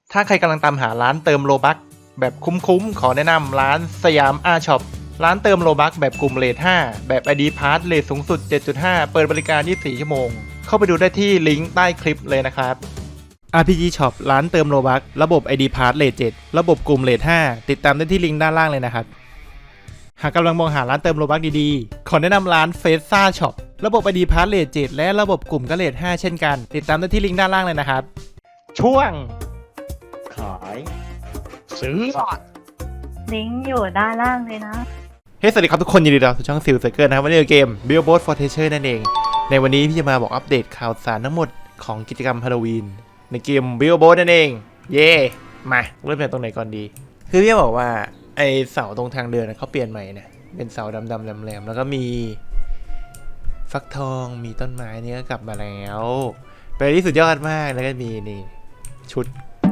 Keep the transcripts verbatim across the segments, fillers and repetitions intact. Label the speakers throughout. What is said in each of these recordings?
Speaker 1: ถ้าใครกำลังตามหาร้านเติมโลบัคแบบคุ้มๆขอแนะนำร้านสยามอาช็อปร้านเติมโลบัคแบบกลุ่มเรทห้าแบบ ไอ ดี Pass เรทสูงสุด เจ็ดจุดห้า เปิดบริการ ยี่สิบสี่ ชั่วโมงเข้าไปดูได้ที่ลิงก์ใต้คลิปเลยนะครับ อาร์ พี จี Shop ร้านเติมโลบัคระบบ ไอ ดี Pass เรทเจ็ดระบบกลุ่มเรทห้าติดตามได้ที่ลิงก์ด้านล่างเลยนะครับหากกำลังมองหาร้านเติมโลบัคดีๆขอแนะนำร้านเฟสซ่าช็อประบบ ไอ ดี Pass เรทเจ็ดและระบบกลุ่มก็เรทห้าเช่นกันติดตามได้ที่ลิงก์ด้านล่างเลยนะครับช่วง
Speaker 2: ขายซื้อ
Speaker 3: ลิงก์อยู่ด้านล่างเลยนะ
Speaker 1: เฮ้ hey, สวัสดีครับทุกคนยินดีต้อนรับสู่ช่องซิลเซอร์เกิลนะครับวันนี้เกม Billboard for Treasure นั่นเองในวันนี้พี่จะมาบอกอัปเดตข่าวสารทั้งหมดของกิจกรรมฮาโลวีนในเกม Billboard นั่นเองเย่มาเริ่มจากตรงไหนก่อนดีคือพี่บอกว่าไอเสาตรงทางเดินเขาเปลี่ยนใหม่เนี่ยเป็นเสาดำๆแหลมๆแล้วก็มีฟักทองมีต้นไม้นี่ก็กลับมาแล้วเป็นที่สุดยอดมากแล้วก็มีนี่ชุด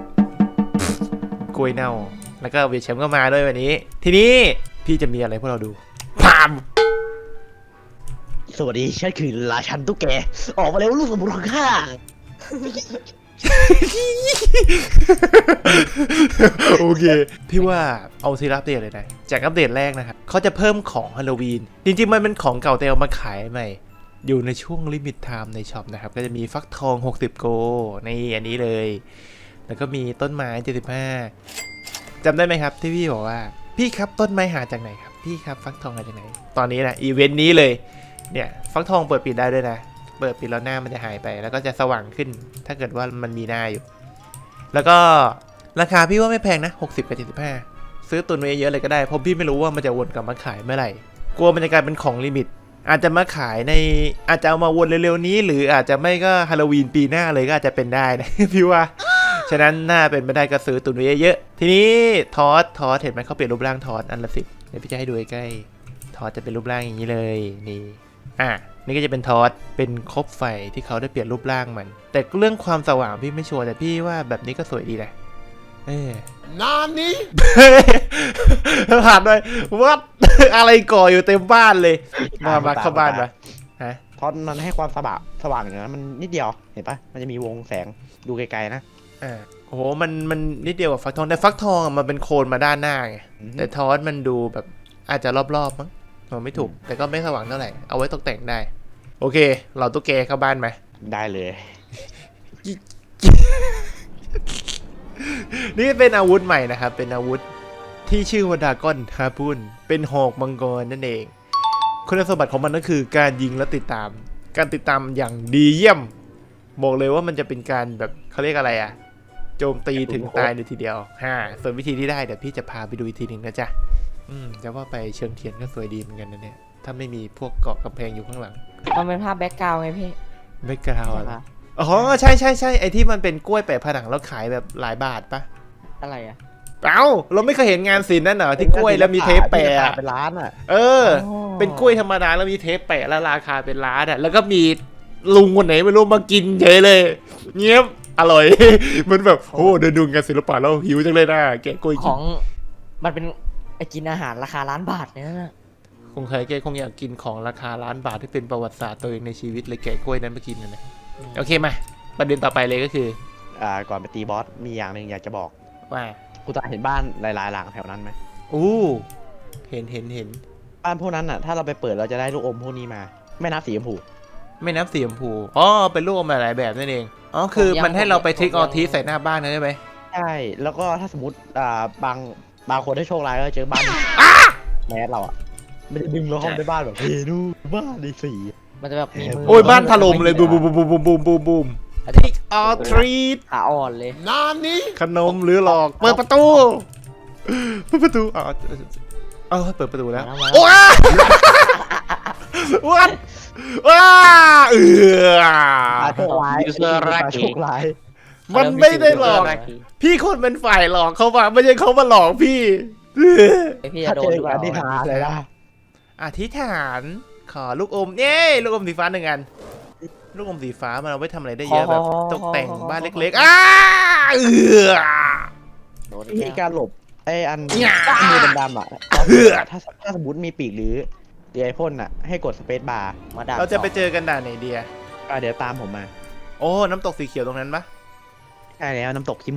Speaker 1: กล้วยเน่าแล้วก็เวชแชมป์ก็มาด้วยวันนี้ทีนี้พี่จะมีอะไรพวกเราดูพาม
Speaker 2: สวัสดีฉันคือราชันตุ๊กแกออกมาแล้วลูกสมุนของข้า
Speaker 1: โอเคพี่ว่าเอาซีรับเดตเลยนะจากอัปเดตแรกนะครับเขาจะเพิ่มของฮาโลวีนจริงๆมันเป็นของเก่าแต่เอามาขายใหม่อยู่ในช่วงลิมิตไทม์ในช็อปนะครับก็จะมีฟักทองหกสิบโกในอันนี้เลยแล้วก็มีต้นไม้เจ็ดสิบห้าจำได้ไหมครับที่พี่บอกว่าพี่ครับต้นไม้หาจากไหนครับพี่ครับฟักทองหาจากไหนตอนนี้นะอีเวนต์นี้เลยเนี่ยฟักทองเปิดปิดได้ด้วยนะเปิดปิดแล้วหน้ามันจะหายไปแล้วก็จะสว่างขึ้นถ้าเกิดว่ามันมีหน้าอยู่แล้วก็ราคาพี่ว่าไม่แพงนะหกสิบกับเจ็ดสิบห้าซื้อตุนไว้เยอะเลยก็ได้เพราะพี่ไม่รู้ว่ามันจะวนกลับมาขายเมื่อไหร่กลัวมันจะกลายเป็นของลิมิตอาจจะมาขายในอาจจะเอามาวนเร็วๆนี้หรืออาจจะไม่ก็ฮาโลวีนปีหน้าเลยก็อาจจะเป็นได้นะ พี่ว่าฉะนั้นน่าเป็นไม่ได้ก็ซื้อตุนไว้เยอะๆทีนี้ทอสทอสเห็นไหมเขาเปลี่ยนรูปร่างทอสอันละสิบเดี๋ยวพี่จะให้ดูใกล้ๆทอสจะเป็นรูปร่างอย่างนี้เลยนี่อ่ะนี่ก็จะเป็นทอสเป็นคบไฟที่เขาได้เปลี่ยนรูปร่างมันแต่เรื่องความสว่างพี่ไม่ชัวร์แต่พี่ว่าแบบนี้ก็สวยดีนะเออนานนี้ ผ่านด้วยวัด อะไรก่ออยู่เต็มบ้านเลยมามาเข้าบ้านมาฮะ
Speaker 2: เพราะมันให้ความสว่างสว่างอย่างนั้นมันนิดเดียวเห็นปะมันจะมีวงแสงดูไกลๆนะ
Speaker 1: อ่าโอ้โหมันมันนิดเดียวกับฟักทองแต่ฟักทองมันเป็นโคนมาด้านหน้าไงแต่ทอสมันดูแบบอาจจะรอบๆมั้งมันไม่ถูกแต่ก็ไม่สว่างเท่าไหร่เอาไว้ตกแต่งได้โอเคเราตุ๊กแกเข้าบ้านไหม
Speaker 2: ได้เลย
Speaker 1: นี่เป็นอาวุธใหม่นะครับเป็นอาวุธที่ชื่อว่าดราก้อนฮาปุนเป็นหอกมังกรนั่นเองคุณสมบัติของมันก็คือการยิงและติดตามการติดตามอย่างดีเยี่ยมบอกเลยว่ามันจะเป็นการแบบเขาเรียกอะไรอะโจมตีถึงตายในทีเดียวฮ่าส่วนวิธีที่ได้เดี๋ยวพี่จะพาไปดูอีกทีหนึ่งนะจ๊ะอืมจะว่าไปเชิงเทียนก็สวยดีเหมือนกันนะเนี่ยถ้าไม่มีพวกเกาะกำแพงอยู่ข้างหลัง
Speaker 4: มันเป็นภาพแบ็กกราวด์ไงพี่
Speaker 1: แบ็กกราวด์อ๋อใช่ใช่ใช่ไอที่มันเป็นกล้วยแปะผนังแล้วขายแบบหลายบาทปะ
Speaker 4: อะไรอ่ะ
Speaker 1: เอ้าเราไม่เคยเห็นงานศิลป์นั่นเหรอที่กล้วยแล้วมีเทปแปะ
Speaker 2: เป็นล้านอ่ะ
Speaker 1: เออเป็นกล้วยธรรมดาแล้วมีเทปแปะแล้วราคาเป็นล้านอ่ะแล้วก็มีลุงคนไหนไม่รู้มากินเฉยเลยเงียบอร่อย มันแบบโอ้เดินดูงานศิลปะแล้วหิวจังเลยนะแกะกล้วย
Speaker 4: ของมันเป็นไอกินอาหารราคาล้านบาทเนี่ยนะ
Speaker 1: คงใครแกคงอยากกินของราคาล้านบาทที่เป็นประวัติศาสตร์ตัวเองในชีวิตเลยแกะกล้วยนั้นมากินกันนะโอเคมาประเด็นต่อไปเลยก็คือ
Speaker 2: อ่าก่อนไปตีบอสมีอย่างหนึ่งอยากจะบอก
Speaker 1: ว่า
Speaker 2: กูตาเห็นบ้านหลายๆหลังแถวนั้นไหม
Speaker 1: อู้เห็นเห็นเห็น
Speaker 2: บ้านพวกนั้นอ่ะถ้าเราไปเปิดเราจะได้ลูกอมพวกนี้มาไม่นับสีชมพู
Speaker 1: ไม่นับสีชมพูอ๋อเป็นลูกอมหลายแบบนั่นเองอ๋อคือมันให้เราไปทริกออทีใส่หน้าบ้านนะใช่ไหม
Speaker 2: ใช่แล้วก็ถ้าสมมติอ่าบางบางคนได้โชคร้ายก็เจอบ้านแมสเราอ่ะมันจะดึงเราเข้าไปบ้านแบบเฮ้ยดูบ้านดีสี
Speaker 4: มันจะแบบมีมือ
Speaker 1: โอ้ยบ้านถล่มเลยบูมบูมบูมบูมบูมบูมบูมทิกออทรีต
Speaker 4: ขาอ่อนเลย
Speaker 1: นานนี้ขนมหรือหลอกเปิดประตูเปิดประตูอ๋อเออเปิดประตูแล้วว้าวัดว้าเออ
Speaker 2: โชคร้ายโชคร้าย
Speaker 1: มันไม่ได้หลอกพี่คนเป็นฝ่ายหลอกเขาว่าไม่ใช่เขามาหลอกพี่
Speaker 4: พี่จะโดน
Speaker 2: อธิษฐานเลยนะ
Speaker 1: อธิษฐานขอลูกอมเย้ลูกอมสีฟ้าหนึ่งอันลูกอมสีฟ้ามันเอาไว้ทำอะไรได้เยอะแบบตกแต่งบ้านเล็กๆอ้าเออ
Speaker 2: มีการหลบไออันมือดำๆอ่ะถ้าถ้าสมมติมีปีกหรือเดียพ่นอ่ะให้กดสเปซบาร์
Speaker 4: มาดัก
Speaker 1: เราจะไปเจอกันด่านไหนเดีย
Speaker 2: เดี๋ยวตามผมมา
Speaker 1: โอ้น้ำตกสีเขียวตรงนั้นปะ
Speaker 2: ใช่แล้วน้ำตกขี้มูก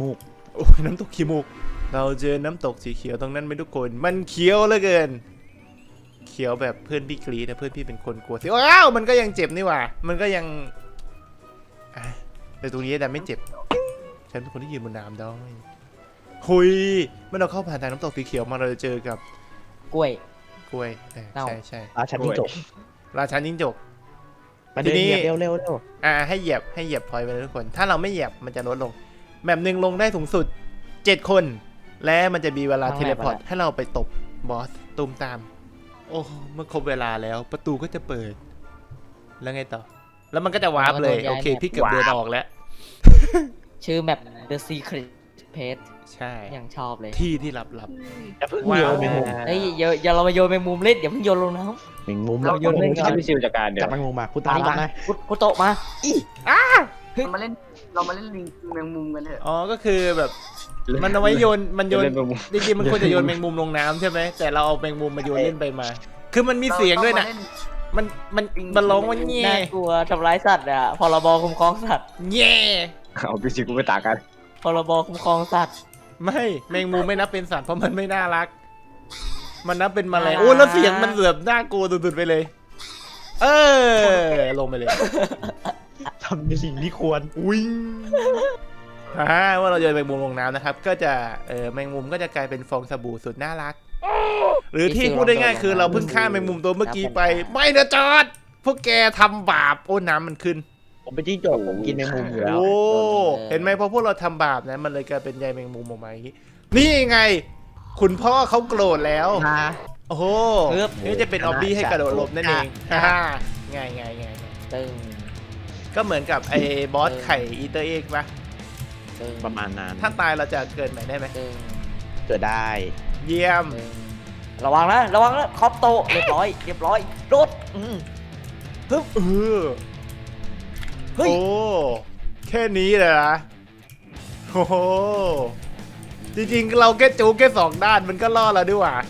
Speaker 1: โอ้ยน้ำตกขี้มูกเราเจอน้ำตกสีเขียวตรงนั้นไหมทุกคนมันเขียวเหลือเกินเขียวแบบเพื่อนพี่กรีดนะเพื่อนพี่เป็นคนกลัวสิว้าวมันก็ยังเจ็บนี่หว่ามันก็ยังอ่ะแต่ตรงนี้แต่ไม่เจ็บฉันเป็นคนที่ยืนบนน้ำได้หุยเมื่อเราเข้าผ่านทางน้ำตกสีเขียวมาเราจะเจอกับ
Speaker 4: กล้วย
Speaker 1: กล้วยเออ
Speaker 4: เน่า
Speaker 1: ใช่ใช่
Speaker 2: อาชันยิ่งจบ
Speaker 1: ราชาจิ้งจก
Speaker 2: ไปเดิน
Speaker 1: ทีนี้
Speaker 2: เหยียบเร็วเร็วเร็ว
Speaker 1: อ่าให้เหยียบให้เหยียบพอยต์ไปเลยทุกคน ถ้าเราไม่เหยียบมันจะลดลงแบบหนึ่งลงได้สูงสุดเจ็ดคน และมันจะมีเวลาเทเลพอร์ตให้เราไปตบบอสตูมตาม โอ้เมื่อครบเวลาแล้วประตูก็จะเปิด แล้วไงต่อ แล้วมันก็จะวาร์ปเลยโอเคพี่เกือบเดินออกแล้ว
Speaker 4: ชื่อแมป The Secret Place
Speaker 1: ใช่
Speaker 4: อย่างชอบเลย
Speaker 1: ที่ที่ลับลับ
Speaker 2: อย่าเพิ่ง
Speaker 1: ว้าว
Speaker 2: โยนแมงมุม
Speaker 4: เฮ้ยอย่าอย่าเรามาโยนแมงมุมเล่นอย่าเพิ่งโยนลงน้
Speaker 2: แมงมุม
Speaker 4: เราโยนเล่นก่อน
Speaker 5: ให้พี่ซิวจัดการเดี๋ย
Speaker 2: จับ
Speaker 5: ว
Speaker 2: แมงมุมมาคุณ
Speaker 4: ำ
Speaker 2: ตาม
Speaker 4: มา
Speaker 2: มา
Speaker 4: มาคุคุโตะมา
Speaker 6: เรามาเล่นเรามาเล่นลิงแมงมุมกันเถอะ
Speaker 1: อ๋อก็คือแบบมันเอาไว้โยนมันโยน
Speaker 5: เล่นแมงมุม
Speaker 1: จริงๆมันควรจะโยนแมงมุมลงน้ำใช่ไหมแต่เราเอาแมงมุมมาโยนเล่นไปมา คือมันมีเสียงด้วยนะ
Speaker 6: ราต้องมาเล่
Speaker 1: มันมันมันร้องว่าแง่
Speaker 4: น่ากลัวทำร้ายสัตว์อ่ะพรบคุ้มครองสัตว์
Speaker 1: แง่
Speaker 5: เอาพี่ซิวกูไปตากกัน
Speaker 4: พรบคุ้มครองสัตว์
Speaker 1: ไม่แมงมุมไม่นับเป็นสัตว์เพราะมันไม่น่ารัก มันนับเป็นแมลง
Speaker 4: น่ารัก
Speaker 1: โอ้แล้วเสียงมันแบบน่ากลัวสุดๆไปเลย เออลงไปเลย
Speaker 2: ทำในสิ่งที่ควร
Speaker 1: วิ่งอ่าว่าเราโยนแมงมุมลงน้ำนะครับ ก็จะเออแมงมุมก็จะกลายเป็นฟองสบู่สุดน่ารัก หรือที่พูดได้ง่ายคือเราเพิ่งฆ่าแมงมุมตัวเมื่อกี้ไป ไม่นะจอดพวกแกทำบาปโอ้น้ำมันขึ้น
Speaker 2: ผมเป็นจิ้งจกผมกินแมงมุมอยู่แล้ว
Speaker 1: โอ้เห็นไหมพอพวกเราทำบาปนะมันเลยกลายเป็นใยแมงมุมออกมาอย่างนี้นี่ไง คุณพ่อเขาโกรธแล้ว
Speaker 2: มา
Speaker 1: โอ้โห
Speaker 4: เอิบ
Speaker 1: นี่จะเป็นออบบี้ให้กระโดดหลบนั่นเองฮ่าฮ่าง่ายง่ายง่ายง่าย
Speaker 4: ตึง
Speaker 1: ก็เหมือนกับไอ้บอสไข่อีเตอร์เอ็กปะ
Speaker 4: ตึง
Speaker 2: ประมาณนั้น
Speaker 1: ถ้าตายเราจะเกิดใหม่ได้ไหม
Speaker 4: ตึง
Speaker 2: เกิดได้
Speaker 1: เยี่ยม
Speaker 4: ตึงระวังนะระวังนะคอปโตะเรียบร้อยเรียบร้อยโดดอืม
Speaker 1: เออ
Speaker 4: เฮ้ย
Speaker 1: โอ้แค่นี้เลยนะโอ้โหจริงๆเราแค่จูกแค่สองด้านมันก็ล่อเราด้วยว่ะ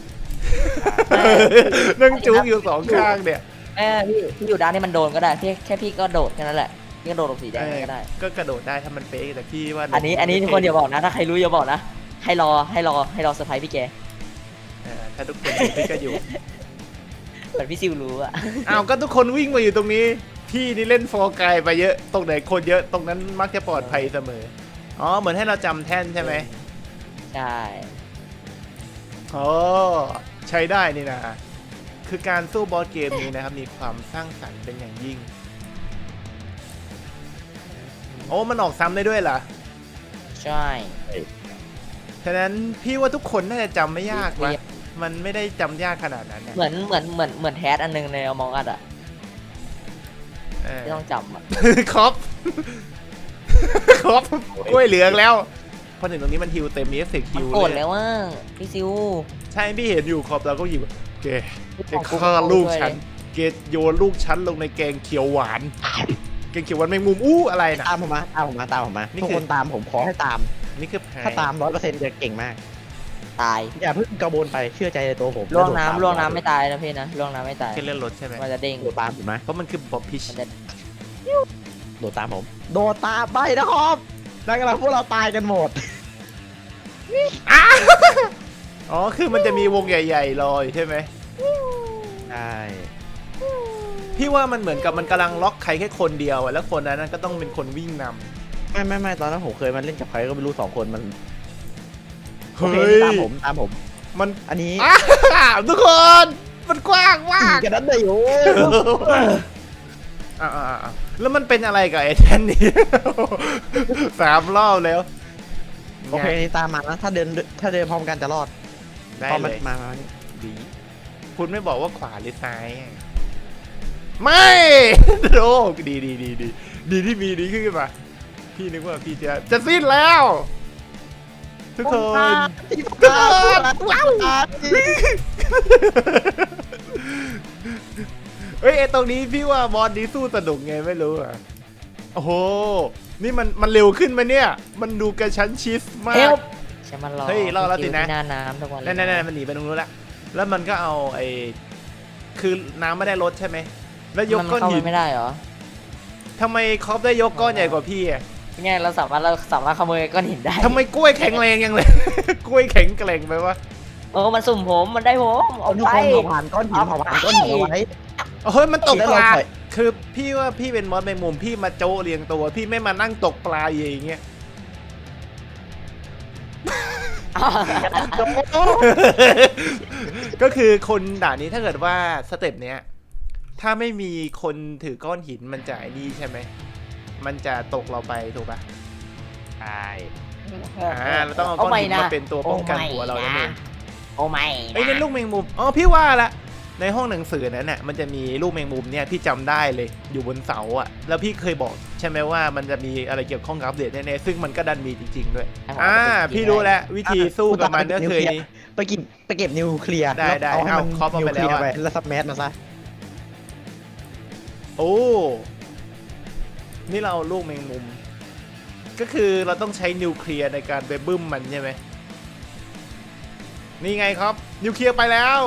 Speaker 1: นั่งจูกอยู่สองข้างเนี่ย
Speaker 4: แม่พี่พี่อยู่ด้านนี้มันโดนก็ได้พี่แค่พี่ก็โดดแค่นั้นแหละพี่ก็โดดลงสีแดงก็ได้
Speaker 1: ก็กระโดดได้ถ้ามันเป๊ะแต่พี่ว่า
Speaker 4: อันนี้อันนี้ทุกคนอย่าบอกนะถ้าใครรู้อย่าบอกนะให้รอให้รอให้รอเซอร์ไพรส์พี่แก
Speaker 1: เออถ้าทุกคนอยู่พี่ก็อยู่
Speaker 4: เหมือนพี่ซิวรู้อะ
Speaker 1: อ้าวก็ทุกคนวิ่งมาอยู่ตรงนี้ พี่นี่เล่นฟอร์ไกลไปเยอะตรงไหนคนเยอะตรงนั้นมักจะปลอดภัยเสมออ๋อเหมือนให้เราจำแท่นใช่ไหม
Speaker 4: ใช่
Speaker 1: อ๋อใช้ได้นี่นะคือการสู้บอสเกมนี้นะครับมีความสร้างสรรค์เป็นอย่างยิ่งโอ้มันออกซ้ำได้ด้วยเหรอ
Speaker 4: ใช่
Speaker 1: ฉะนั้นพี่ว่าทุกคนน่าจะจำไม่ยากวะมันไม่ได้จำยากขนาดนั้นนะ
Speaker 4: เหมือนเหมือนเหมือนเหมือนแทสอันหนึงในอมองอัดอะ
Speaker 1: เออ
Speaker 4: ที่ต้องจำอะ
Speaker 1: ครบ ครบกล้วยเหลืองแล้วพอถึงตรงนี้มันฮิวเต็มมีเอฟเฟกต์
Speaker 4: มัน
Speaker 1: ฮิว
Speaker 4: โกรธ
Speaker 1: เลย
Speaker 4: แล้วว่าพี่ซิว
Speaker 1: ใช่พี่เห็นอยู่ขอบเราก็หยิบเกจะฆ่าลูกฉัน เกโยนลูกฉันลงในแกงเขียวหวาน แกงเขียวหวานแมงมุมอู้อะไรนะ
Speaker 2: ตามผมมาตามผมมาตามผมมา
Speaker 1: นี่
Speaker 2: ทุก
Speaker 1: คือ
Speaker 2: คนตามผมขอให้ตาม
Speaker 1: นี่คือแพ้
Speaker 2: ถ้าตามร้อยเปอร์เซ็นต์จะเก่งมาก
Speaker 4: ตาย
Speaker 2: อย่าเพิ่งกระโบนไปเชื่อใจในตัวผม
Speaker 4: ล่วง
Speaker 2: แโดดตาม
Speaker 4: น้ำล่วงน้ำไม่ตายนะพี่นะล่วงน้ำไม่ตาย
Speaker 1: แค่เลื่อนรถใช่ไหม
Speaker 4: มันจะเด้ง
Speaker 2: โดดตามผมไหม
Speaker 1: เพราะมันคือบ๊อบพิช
Speaker 4: มันจะ
Speaker 2: โดดตามผม โดดตามไปนะครับแล้วกำลังพวกเราตายกันหมด
Speaker 1: อ๋อคือมันจะมีวงใหญ่ๆรออยู่ใช่ไหม
Speaker 2: ใช่
Speaker 1: พี่ว่ามันเหมือนกับมันกำลังล็อกใครแค่คนเดียวอะแล้วคนนั้นก็ต้องเป็นคนวิ่งนำ
Speaker 2: ไม่ไม่ไม่ตอนนั้นผมเคยมาเล่นกับใครก็ไม่รู้สองคนมันโอ
Speaker 1: เฮ้
Speaker 2: เค
Speaker 1: ย
Speaker 2: ตามผมตามผม
Speaker 1: มัน
Speaker 2: อันนี้
Speaker 1: อ้าวทุกคนมันกว้างมาก
Speaker 2: กันนั้นเลยโอ้
Speaker 1: อ่าอ่าแล้วมันเป็นอะไรกับไอ้แทนนี่ สามรอบแล้ว
Speaker 2: โอเคนี่ตามมานะถ้าเดินถ้าเดินพร้อมกันจะรอด
Speaker 1: ได้
Speaker 2: พอ
Speaker 1: เล
Speaker 2: มัน
Speaker 1: ย
Speaker 2: มามามา
Speaker 1: ดีคุณไม่บอกว่าขวาหรือซ้ายอะไม่ โอ้ดีดีดีดีดีที่มีดีขึ้นมา พี่นึกว่าพี่จะจะสิ้นแล้ว ทุกคน
Speaker 2: ทุกคนว้าว
Speaker 1: เฮ้ยไอ้ตรงนี้พี่ว่าบอสนี้สู้สนุกไงไม่รู้อ่ะ โอ้โห นี่มันมันเร็วขึ้นมาเนี่ย มันดูกระชั้นชิดมา
Speaker 4: เฮ
Speaker 1: ก
Speaker 4: ลใช่มันรอ
Speaker 1: เฮ้ยรอแล้วสินะ
Speaker 4: พี่ซิวที่หน้าน้ำทุกวันเลย
Speaker 1: นั่นนั่นมันหนีไปตรงนู้นละ แล้วมันก็เอาไอ้ คือน้ำไม่ได้ลดใช่ไหม แล้วยก
Speaker 4: มัน
Speaker 1: ก้อน
Speaker 4: เข้า
Speaker 1: หิ
Speaker 4: ไป
Speaker 1: น
Speaker 4: ไม่ได้เหรอ
Speaker 1: ทำไมคอปได้ยกก้อนใหญ่กว่าพี่อ่ะ
Speaker 4: ไงเราสามารถเราสามารถขโมยก้อนหินได้
Speaker 1: ทำไมกล้วยแข็งแรงยังเลย กล้วยแข็งแกร่งไปวะ
Speaker 4: โอ้มันสุ่มผมมันได้ผมเอา
Speaker 2: ทุก
Speaker 4: ไป
Speaker 2: คนเผาผ่านก้อนหินเผาผ่านก้อนหินเอาไว้
Speaker 1: เฮ้ยมันตกปลา
Speaker 2: แล้วเราปล่อย
Speaker 1: คือพี่ว่าพี่เป็นมอสแมงมุมพี่มาโจเรียงตัว พี่ไม่มานั่งตกปลาอย่างเงี้ย ก็คือคนด่านนี้ถ้าเกิดว่าสเต็ปเนี้ยถ้าไม่มีคนถือก้อนหินมันจะไอ้นี่ใช่ไหมมันจะตกเราไปถูกปะ
Speaker 2: ใช่
Speaker 1: อ่าเราต้องเอาก้อนหินมาเป็นตัวป้องกันหัวเรานั่นเอง
Speaker 4: โอ้ไม่
Speaker 1: ไอ้ยนั่นลูกแมงมุมอ๋อพี่ว่าละในห้องหนังสือนั้นน่ะมันจะมีลูกแมงมุมเนี่ยพี่จำได้เลยอยู่บนเสาอ่ะแล้วพี่เคยบอกใช่ไหมว่ามันจะมีอะไรเกี่ยวข้องกับอัปเดตแน่ๆซึ่งมันก็ดันมีจริงๆด้วยอ่าพี่รู้แล้ววิธีสู้กับมันก็คือนี้
Speaker 2: ไปกินไปเก็บนิวเคลียร์
Speaker 1: ได้ได้
Speaker 2: เอาให้มัน
Speaker 1: เอาครอบเอา
Speaker 2: นิว
Speaker 1: ไป
Speaker 2: เคลีย
Speaker 1: แล้ว
Speaker 2: ร์
Speaker 1: อะ
Speaker 2: ไปแล้วซับแมสมาซะ
Speaker 1: โอ้นี่เราเอาลูกแมงมุม ก็คือเราต้องใช้นิวเคลียร์ในการไปบึ้มมันใช่ไหมนี่ไงครับนิวเคลียร์ไปแล้ว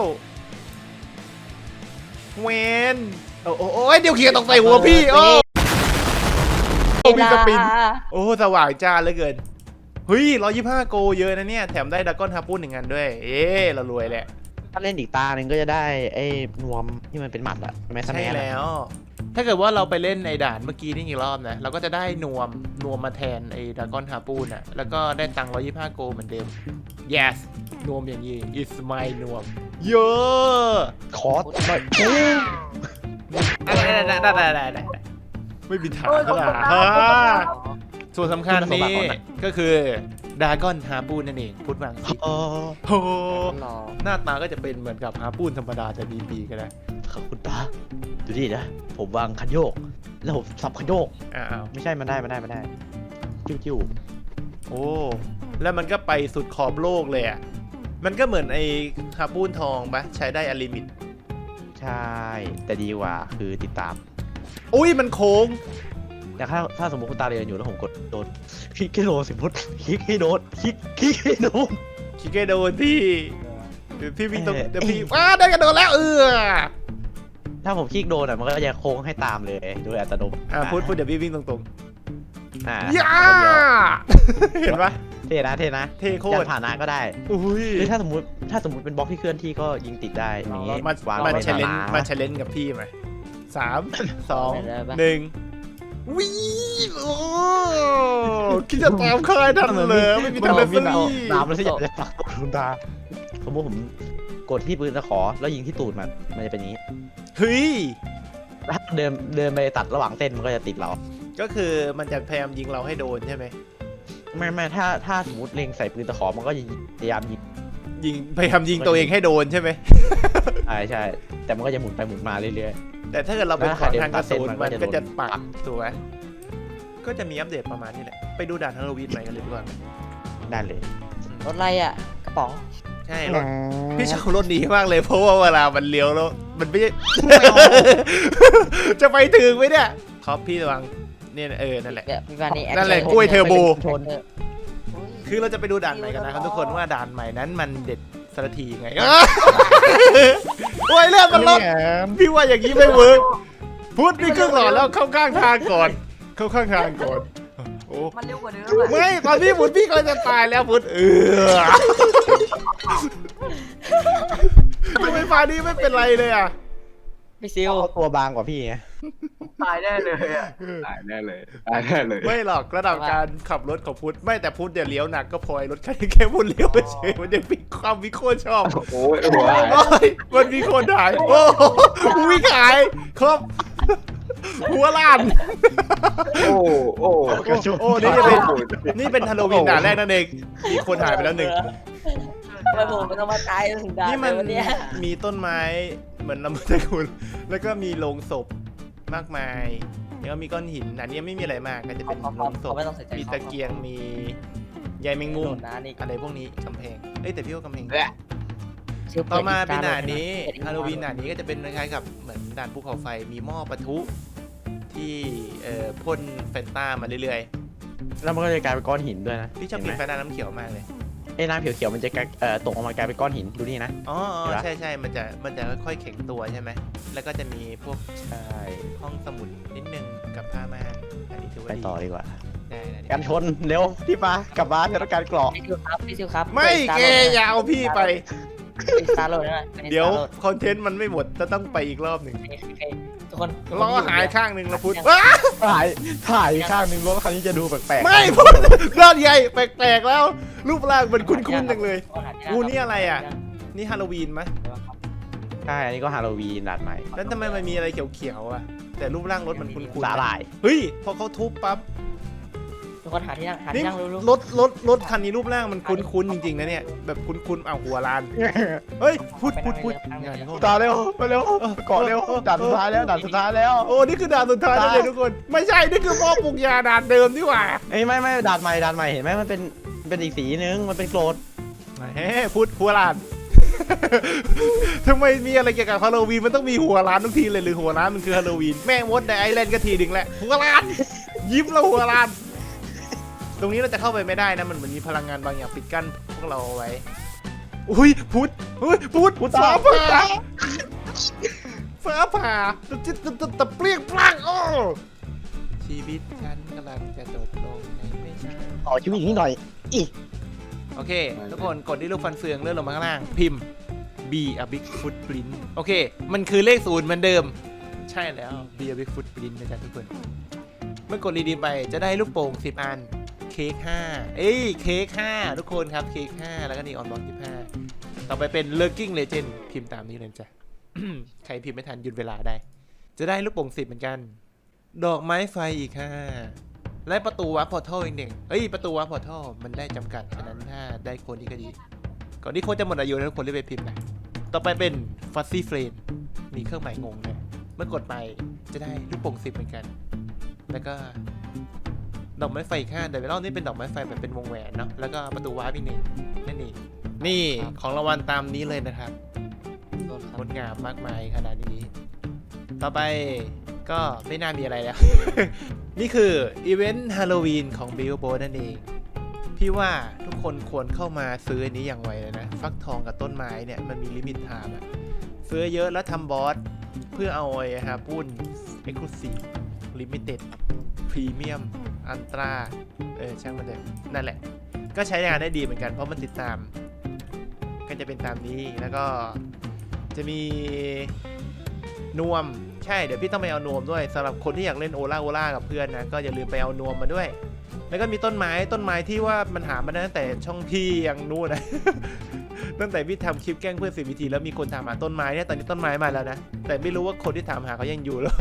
Speaker 1: เวนโอ้โหโอ้ยนิวเคลียร์ตกใส่หัวพี่โอ้โอ้มีสปินโอ้สว่างจ้าเหลือเกินเฮ้ยร้อยยี่สิบห้าโกเยอะนะเนี่ยแถมได้ดราก้อนฮาปุ้นหนึ่งอันด้วยเอ๊ะเรารวยแหละ
Speaker 2: ถ้าเล่นอีกตาหนึ่งก็จะได้ไอ้นวมที่มันเป็นหมัดอะแมส
Speaker 1: ใช่
Speaker 2: แมส
Speaker 1: แล้ว ถ้าเกิดว่าเราไปเล่นในด่านเมื่อกี้นี่อีกรอบนะเราก็จะได้นวมนวมมาแทนไอ้ดราก้อนฮาปูนอ่ะแล้วก็ได้ตังค์ร้อยยี่สิบห้าโกเหมือนเดิม yes นวมอย่างนี้ it's my นวมเยอะ
Speaker 2: ขอหน่อย
Speaker 1: ได้ได้ได้ได้ได้ได้ไม่มีทางก็ล่ะฮะส่วนสำคัญนี้ก็คือดราก้อนฮาปูนนั่นเองพูดบางสิ
Speaker 2: อ๋อ
Speaker 1: โอ้โห
Speaker 4: รอ
Speaker 1: หน้าตาก็จะเป็นเหมือนกับฮาปูนธรรมดาแต่มีปีกก็ได้
Speaker 2: ขอบคุณป้าดูดินะผมวางคันโยก แล้วผมสับคันโยก
Speaker 1: อ้าว
Speaker 2: ไม่ใช่มันได้มันได้มันได้จิ้วจิ้ว
Speaker 1: โอ้แล้วมันก็ไปสุดขอบโลกเลยอ่ะมันก็เหมือนไอ้ฮาปูนทองปะใช้ได้อลิมิต
Speaker 2: ใช่ แต่ดีกว่าคือติดตาม
Speaker 1: อุ้ยมันโค้ง
Speaker 2: แต่ถ้าถ้าสมมติคุณตาเรียนอยู่แล้วผมกดโดนคลิกให้โดนสมมติคลิกให้โดนคลิกคลิกให้โดน
Speaker 1: คิเกโดนพี่เดี๋ยวพี่วิ่งตรง
Speaker 2: เอ่อ
Speaker 1: เดี๋ยวพี่ว้าได้กระโดดแล้วเออ
Speaker 2: ถ้าผมคลิกโดนอ่ะมันก็จะโค้งให้ตามเลยโดยอัตโนมัติ
Speaker 1: อ่าพูดพูดเดี๋ยวพี่วิ่งตรง
Speaker 2: อ่า
Speaker 1: ๆย่าเห็นปะ
Speaker 2: เท่นะเท่นะ
Speaker 1: เท่โค
Speaker 2: จะ
Speaker 1: ตร
Speaker 2: ผ่านหน้าก็ได้
Speaker 1: อุ้ย
Speaker 2: หรือถ้าสมมติถ้าสมมติเป็นบล็อกที่เคลื่อนที่ก็ยิงติดได้อย่างนี้
Speaker 1: มา
Speaker 2: าง
Speaker 1: มา
Speaker 2: ไว้
Speaker 1: เชลเลน
Speaker 2: หา
Speaker 1: มาเชลเลนกับพี่ไหมสามสองหนึ่งวิ่งโอ้คิดจะตามใครทันเลยไม่มีทางเลย
Speaker 2: วิ่งเอา
Speaker 1: พี่
Speaker 2: น้ำแล้วสิอยากจะปักตูดคุณตาสมมติผมกดที่ปืนตะขอแล้วยิงที่ตูดมันมันจะเป็นอย่างนี้
Speaker 1: เฮ้ย
Speaker 2: ถ้าเดินเดินไปตัดระหว่างเส้นมันก็จะติดเรา
Speaker 1: ก็คือมันจะพยายามยิงเราให้โดนใช่ไหม
Speaker 2: ไม่ไม่ถ้าถ้าสมมติเล็งใส่ปืนตะขอมันก็จะพยายามยิง
Speaker 1: ยิงพยายามยิงตัวเองให้โดนใช่ไหม
Speaker 2: ใช่ใช่แต่มันก็จะหมุนไปหมุนมาเรื่อย
Speaker 1: แต่ถ้าเกิดเราเป็น
Speaker 2: แล้ว
Speaker 1: ของ
Speaker 2: ถ้า
Speaker 1: ทางกระสุน
Speaker 2: เดิน
Speaker 1: มัน
Speaker 2: ตัดเส้น
Speaker 1: ก็จะ
Speaker 2: มันก็จะ
Speaker 1: ปัก
Speaker 2: โดน
Speaker 1: ถูกไหมก็จะมีอัปเดตประมาณนี้แหละ ไปดูด่านฮาโลวีนใหม่กันเลยดีกว่า
Speaker 2: ๆได้เลย
Speaker 4: รถอะไรอ่ะกระป๋อง
Speaker 1: ใช่รถพี่ชอบรถนี้มากเลยเพราะว่าเวลามันเลี้ยวแล้วมันไม่ใช่ จะไปถึงไหมเนี่ยครับพี่ระวังเนี่ยเออนั่นแหละ
Speaker 4: เนี่ยพี่วานี่
Speaker 1: นั่นแหละกล้วยเทอร์โบ
Speaker 2: ชน
Speaker 4: เออ
Speaker 1: คือเราจะไปดูด่านใหม่กันนะครับทุกคนว่าด่านใหม่นั้นมันเด็ดสักทีไง โอ้ยเลือดมันลดพี่ว่าอย่างนี้ไม่เวิร์กพุทธมีเครื่องหล่อแล้วเข้าข้างทางก่อน เข้าข้างทางก่อนโอ้
Speaker 6: มันเร็วกว่าเดิมอะ
Speaker 1: ไม่ตอนพี่พุทธพี่ก็จะตายแล้วพุทธเออทำไมฟ้านี้ไม่เป็นไรเลยอ่ะ
Speaker 4: พี่ซิว
Speaker 2: เขาตัวบางกว่าพี่ไง
Speaker 6: ตายแน่เลยอะ
Speaker 5: ตายแน่เลยตายแน่เลย
Speaker 1: ไม่หรอกระดับการขับรถของพุทธไม่แต่พุทธเดี๋ยวเลี้ยวหนักก็พลอยรถคันนี้แค่พุทธเลี้ยวเฉยมันจะมีความวิโคตรชอบ
Speaker 5: โอ้ยหัว
Speaker 1: โอ้ยมันมีคนถ่ายโอ้โหวิ่งขายครบหัวล้าน
Speaker 5: โอ้โอ้
Speaker 1: โอ้นี่จะเป็นนี่เป็นฮาโลวีนด่านแรกนั่นเองมีคนหายไปแล้วหนึ่ง
Speaker 4: ทำไมผมมันต้องมาตายถึงด่าน
Speaker 1: นี่มัน
Speaker 4: เลยวันเนี้ย
Speaker 1: มีต้นไม้เหมือนลำตะคุณแล้วก็มีโลงศพมากมายแล้วก็มีก้อนหินอันนี้ไม่มีอะไรมากก็จะเป็นโลงศพ
Speaker 4: เขาไม่ต้องใส่ใจ
Speaker 1: มีตะเกียงมีใยแมงมุม
Speaker 4: นะนี่
Speaker 1: อะไรพวกนี้กำแพงเอ้ยแต่พี่ว่ากำแพง
Speaker 4: ซิว
Speaker 1: ต่อมาเป็น
Speaker 4: ปิด
Speaker 1: ด่านนี้
Speaker 4: ปิด
Speaker 1: ฮาโลวีนด่านนี้ก็จะเป็นคล้ายๆกับเหมือนด่านภูเขาไฟมีหม้อปะทุที่เอ่อพ่นแฟนต้ามาเรื่อย
Speaker 2: แล้วมันก็จะกลายเป็นก้อนหินด้วยนะ
Speaker 1: ๆพี่ชอบกินแฟนต้าน้ำเขียวมากเลย
Speaker 2: ไอ้น้ำเขียวๆมันจะกลายเอ่อตกออกมากลายเป็นก้อนหินดูนี่นะ
Speaker 1: อ๋อ
Speaker 2: เห็นปะ
Speaker 1: ใช่ใช่มันจะมันจะค่อยๆแข็งตัวใช่ไหมแล้วก็จะมีพวก
Speaker 2: ใช่
Speaker 1: ห้องสมุดนิดนึงกับผ้าม่านอันนี้ถือว่า
Speaker 2: ไป
Speaker 1: ดี
Speaker 2: ต่อดีกว่า
Speaker 1: ใได้ได้
Speaker 2: กันชนเร็วที่มากลับบ้านต้องการเกราะ
Speaker 4: พี่ซิวครับพี่ซิวครับ
Speaker 1: ไม่เกย์อย่าเอาพี่ไป
Speaker 4: สตาร์โหลดนะ
Speaker 1: เดี๋ยวคอนเทนต์มันไม่หมดจะต้องไปอีกรอบหนึ่ง
Speaker 4: ทุกคน
Speaker 1: ล้อหายข้างหนึ่งแล้วพุทธ
Speaker 2: ถ่ายถ่ายข้างหนึ่งรถคันนี้จะดูแปลกๆ
Speaker 1: ไม่พุทธรอดใหญ่แปลกๆแล้ว รูปร่างมันคุ้นๆจังเลยกูนี่อะไรอ่ะ นี่ฮาโลวีนไหม
Speaker 2: ใช่อันนี้ก็ฮาโลวีนดัดใหม่
Speaker 1: แล้วทำไมมันมีอะไรเขียวๆอ่ะ แต่รูปร่างรถมันคุ้น
Speaker 2: สาหร่าย
Speaker 1: ๆเฮ้ยพอเขาทุบปั๊บ
Speaker 4: ทุกคนหาที่นั่งหา
Speaker 1: นี่
Speaker 4: ที่นั่งรู้
Speaker 1: รถรถรถคันนี้รูปร่างมันคุ้นๆจริงๆนะเนี่ยแบบคุ้นๆเอาหัวลานเฮ้ยพุทธพุทธพุทธงานเข้า
Speaker 2: ตาเร็วมาเร็วเกาะเร็วด่านสุดท้ายแล้วด่านสุดท้ายแล้ว
Speaker 1: โอ้นี่คือด่านสุดท้ายแล้วเลยทุกคน ไม่ใช่นี่คือพ่อปลูกยาด่านเดิมนี่หว่า
Speaker 2: เอ้ยไม่ไม่ด่านใหม่ด่านใหม่เห็นไหมมันเป็นเป็นอีกสีนึงมันเป็นโกรธ
Speaker 1: เฮ้พุทธหัวลาน ทำไมมีอะไรเกี่ยวกับฮาโลวีนมันต้องมีหัวล้านทุกทีเลยหรือหัวล้านมันคือฮาโลวีนแม่มดในไอแลนด์ก็ทีดึงแหละหัวล้าน ยิ้มแล้วหัวล้าน ตรงนี้เราจะเข้าไปไม่ได้นะมันเหมือนมีพลังงานบางอย่างปิดกั้นพวกเราเอาไว้อุ้ยพุทธเฮ้ยพุทธ
Speaker 2: พุทธ
Speaker 1: ฟ้า
Speaker 2: พุท
Speaker 1: ผ่า
Speaker 2: ธ
Speaker 1: ฟ้าผ่าตะจิตตะตะตะเปรี้ยงปลั่งโอ้ชีวิตฉันกำลังจะจบลงในไม่ช้า
Speaker 2: ต่อชีวิตนี้หน่อยอีก
Speaker 1: โอเค ทุกคนกดที่ลูกฟันเฟืองเลื่อนลงมาข้างล่างพิมพ์ B a big footprint โอเค มันคือเลขศูนย์เหมือนเดิม ใช่แล้ว B a big footprint นะจ๊ะทุกคน เมื่อกดรีดีมไปจะได้ลูกโป่งสิบอันเค้กห้าเอ้ยเค้กห้าทุกคนครับเค้กห้าแล้วก็นี่ออนบล็อกยี่สิบห้าต่อไปเป็น Lurking Legend พิมพ์ตามนี้เลยจ้ะ ใครพิมพ์ไม่ทันหยุดเวลาได้ จะได้ลูกโป่งสิบเหมือนกัน ดอกไม้ไฟอีกห้าและประตูวาร์ปพอร์ทัลอีกหนึ่งเอ้ยประตูวาร์ปพอร์ทัลมันได้จำกัดฉะนั้นถ้าได้คนนี้ก็ดี ก่อนที่โค้ดจะหมดอายุแล้วทุกคนรีบไปพิมพ์นะ ต่อไปเป็น Fuzzy Frame มีเครื่องหมายงงนะเมื่อกดไปจะได้ลูกโป่งสิบเหมือนกัน แล้วก็ดอกไม้ไฟอีกห้าแต่รอบนี้เป็นดอกไม้ไฟแบบเป็นวงแหวนเนาะ แล้วก็ประตูวาร์ปอีกหนึ่งนั่นเองนี่ของรางวัลตามนี้เลยนะครับงดงามมากมายขนาดนี้ ต่อไปก็ไม่น่ามีอะไรแล้ว นี่คืออีเวนต์ฮาโลวีนของ Billboard นั่นเอง พี่ว่าทุกคนควรเข้ามาซื้ออันนี้อย่างไวเลยนะ ฟักทองกับต้นไม้เนี่ยมันมีลิมิตไทม์อะซื้อเยอะแล้วทำบอสเพื่อเอาไอ้ฮะปุ้น Exclusive Limited Premium Ultra เออช่างมันเถอะนั่นแหละ ก็ใช้งานได้ดีเหมือนกันเพราะมันติดตาม ก็จะเป็นตามนี้แล้วก็จะมีนวมใช่เดี๋ยวพี่ต้องไปเอานวมด้วยสำหรับคนที่อยากเล่นโอล่าโอล่ากับเพื่อนนะก็อย่าลืมไปเอานวมมาด้วย แล้วก็มีต้นไม้ต้นไม้ที่ว่ามันหามาได้ตั้งแต่ช่องพี่ยังนู่นนะ ตั้งแต่พี่ทำคลิปแกล้งเพื่อนสิบวิธีแล้วมีคนถามหาต้นไม้เนี่ยตอนนี้ต้นไม้มาแล้วนะแต่ไม่รู้ว่าคนที่ถามหาเขายังอยู่หรอ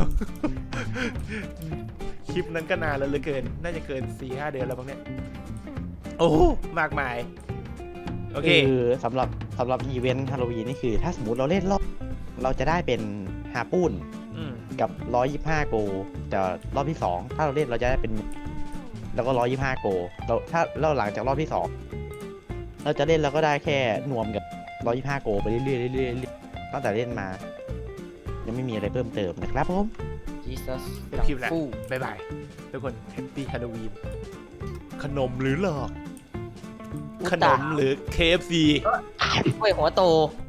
Speaker 1: คลิปนั้นก็นานแล้วเหลือเกินน่าจะเกิน สี่ห้า เดือนแล้วบ้างเนี่ยโอ้มากมายโอเค
Speaker 2: คือสำหรับสำหรับอีเวนต์ฮาโลวีนนี่คือถ้าสมมติเราเล่นรอบเราจะได้เป็นฮาปูน
Speaker 1: อืม
Speaker 2: กับหนึ่งร้อยยี่สิบห้าโกแต่รอบที่สองถ้าเราเล่นเราจะได้เป็นแล้วก็หนึ่งร้อยยี่สิบห้าโกเราถ้าเราหลังจากรอบที่สองเราจะเล่นเราก็ได้แค่นวมกับหนึ่งร้อยยี่สิบห้าโกไปเรื่อยๆเรื่อยๆเรื่อยๆตั้งแต่เล่นมายังไม่มีอะไรเพิ่มเติมนะครับผม
Speaker 4: Jesus
Speaker 1: เป็นคลิปแล้วบ๊ายบายทุกคนแฮปปี้ฮาโลวีนขนมหรือหลอก ขนมหรือ เค เอฟ ซี
Speaker 4: กล้วยหัวโต